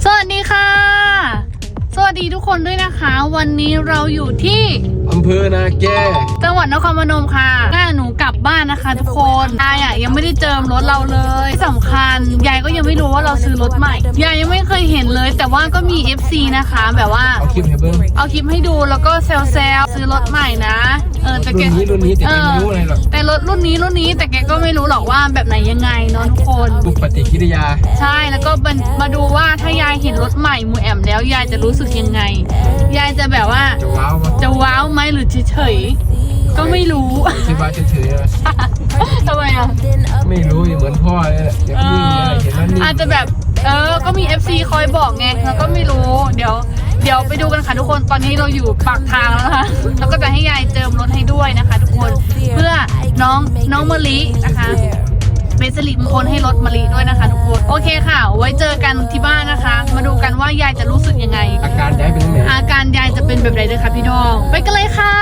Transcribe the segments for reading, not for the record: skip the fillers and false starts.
สวัสดีค่ะสวัสดีทุกคนด้วยนะคะวันนี้เราอยู่ที่อำเภอนาแกจังหวัดนครพนมค่ะหนูกลับบ้านนะคะทุกคนยายยังไม่ได้เจิมรถเราเลยที่สำคัญยายก็ยังไม่รู้ว่าเราซื้อรถใหม่ยายยังไม่เคยเห็นเลยแต่ว่าก็มี FC นะคะแบบว่าเอาคลิปให้เบิ้งเอาคลิปให้ดูแล้วก็แซวซื้อรถใหม่นะแต่แกรุ่นนี้แต่ไม่รู้อะไรหรอกแต่รถรุ่นนี้แต่แกก็ไม่รู้หรอกว่าแบบไหนยังไงเนาะทุกคนดูปฏิกิริยาใช่แล้วก็มาดูว่าถ้ายายเห็นรถใหม่มูแอมแล้วยายจะรู้สึกยังไงยายจะแบบว่าจะว้าวไหมหรือเฉยๆก็ไม่รู้ที่บ้านเฉยๆทำไมอ่ะไม่รู้เหมือนพ่อเลยอย่างนี้เห็นแล้วนี่อาจจะแบบก็มี FC คอยบอกไงแล้วก็ไม่รู้เดี๋ยวไปดูกันค่ะทุกคนตอนนี้เราอยู่ปากทางแล้วนะคะแล้วก็จะให้ยายเจิมรถให้ด้วยนะคะทุกคนเพื่อน้องมะลินะคะเป็นสิริมงคลให้รถมะลิด้วยนะคะทุกคนโอเคค่ะไว้เจอกันที่บ้านนะคะมาดูกันว่ายายจะรู้สึกยังไงอาการยายเป็นยังไงอาการยายจะเป็นแบบไหนด้วยคะพี่น้องไปกันเลยค่ะ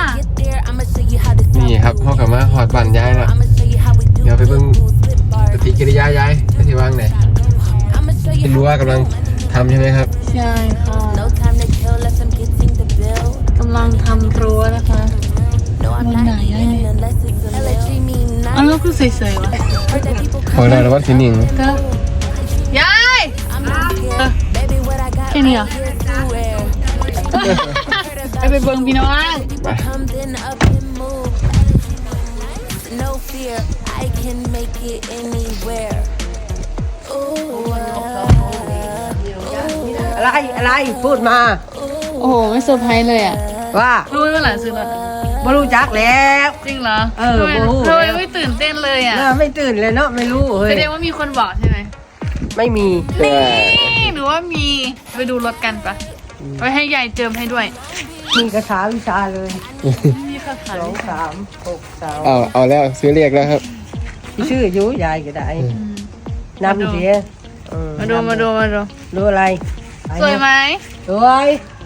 นี่ครับพ่อกับมาหอดบั่นยายแล้วเดี๋ยวไปเบิ่งปฏิกิริยายายไปที่ว่างไหนไม่รู้ว่ากำลังทำใช่ไหมครับใช่ค่ะกำลังทำรั้วนะคะบนไหนยายอันนั้นคือสวยๆวะพอได้แล้วว่าสีหนิงยายแค่นี้เหรอไปเบิ่งพี่น้องไปอะไรพูดมาโอ้โหไม่เซอร์ไพรส์เลยอ่ะว่ารู้เมื่อไหร่ซื้อรถไม่รู้จักแล้วจริงเหรอทำไมไม่ตื่นเต้นเลยอ่ะไม่ตื่นเลยเนาะไม่รู้เฮ้ยแสดงว่ามีคนบอกใช่ไหมไม่มีนี่หรือว่ามีไปดูรถกันปะไปให้ยายเจิมให้ด้วยมีคาถาวิชาเลยมีคาถา 2 3 6 3 เอาแล้วซื้อเรียกแล้วครับชื่อยุยายก็ได้นำเสียมาดูดูอะไรสวยไหมสวย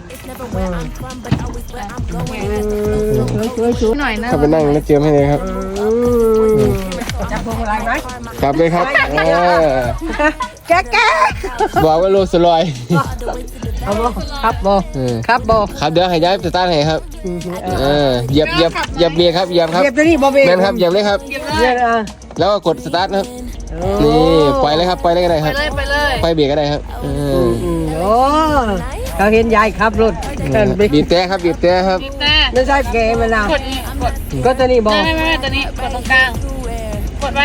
หน่อยนะเข้าไปนั่งแล้วเจิมให้เลยครับจับพวงอะไรไหมจับเลยครับแกบอกว่าโรสลอยเอาบ่ครับบ่ครับเดี๋ยวให้ย้ายสตาร์ทให้ครับเหยียบเบรกครับเหยียบครับเหยียบตัวนี้บ่เบรกแม่นครับเหยียบเลยครับแล้วก็กดสตาร์ทครับนี่ปล่อยเลยครับปล่อยเลยก็ได้ครับไปเลยปล่อยเบรกก็ได้ครับโอ้เขาเห็นยายขับรถบีบแต่ครับบีบแต่ครับไม่ใช่เกมมันนะกดตัวนี้บอกไม่ตัวนี้กดตรงกลางกดไป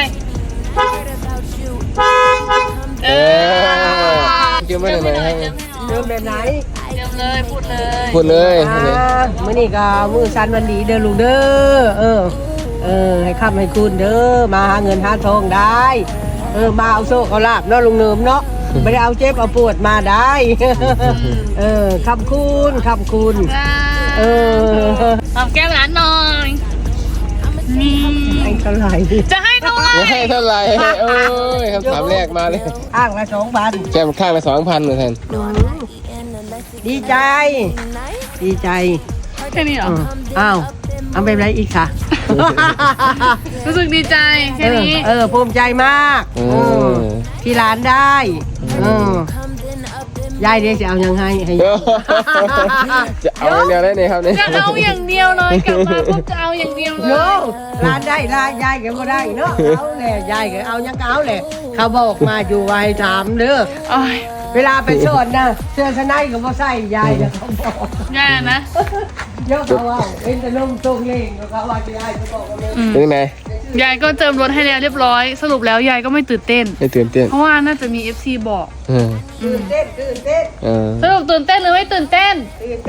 เกี่ยวไม่ได้ไหมให้เดิมแบบไหนเดิมเลยพูดเลยมื้อนี้ก็มื้อสันวันดีเด้อลูกเด้อให้ค้ำให้คุณเด้อมาหาเงินหาทองได้มาเอาโซ่เอาลาบเนาะลุงเนิมเนาะไม่ได้เอาเจ็บเอาปวดมาได้คำคุณทำแก้มร้านหน่อยให้เท่าไหร่จะให้เท่าไหร่คำถามแรกมาเลยอ้างละ 2,000 แก้มข้างละ2,000เลยแทนดีใจแค่นี้เหรออ้าวเอาไปไหนอีกค่ะรู้สึกดีใจแค่นี้ภูมิใจมากที่ร้านได้ยายเดี๋ยวจะเอายังให้จะเอาอย่างเดียวได้ไหมครับเนี่ยจะเอาอย่างเดียวเลยกลับมาพวกจะเอาอย่างเดียวเลยร้านได้ร้านยายก็ไม่ได้เนาะเอาแหละยายก็เอายังเอาแหละเขาบอกมาอยู่ไว้ถามเด้อเวลาไปสอนนะเสื้อชั้นในก็บ่ใส่ยายจะเขาบอกยายนะเยอะเขาว่าเป็นแต่นุ่มตรงเองเขาว่ายายจะบอกว่าเป็นไงยายก็เจิมรถให้แล้วเรียบร้อยสรุปแล้วยายก็ไม่ตื่นเต้นเพราะว่าน่าจะมี FC บอกตื่นเต้นสรุปตื่นเต้นหรือไม่ตื่นเต้น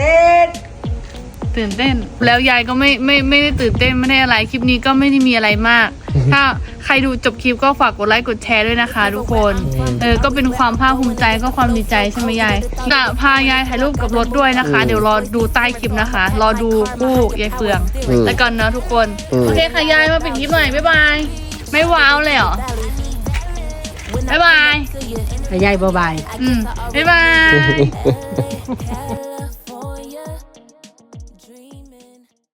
ตื่นเต้นแล้วยายก็ไม่ได้ตื่นเต้นไม่ได้อะไรคลิปนี้ก็ไม่ได้มีอะไรมากถ้าใครดูจบคลิปก็ฝากกดไลค์กดแชร์ด้วยนะคะทุกคนก็เป็นความภาคภูมิใจก็ความดีใจใช่ไหมยายจะพายายถ่ายรูปกับรถด้วยนะคะเดี๋ยวรอดูใต้คลิปนะคะรอดูคู่ยายเฟืองแล้วกันนะทุกคนโอเคค่ะยายมาปิดคลิปหน่อยบ๊ายบายไม่ว้าวเลยเหรอบ๊ายบายยายบ๊ายบายบ๊ายบาย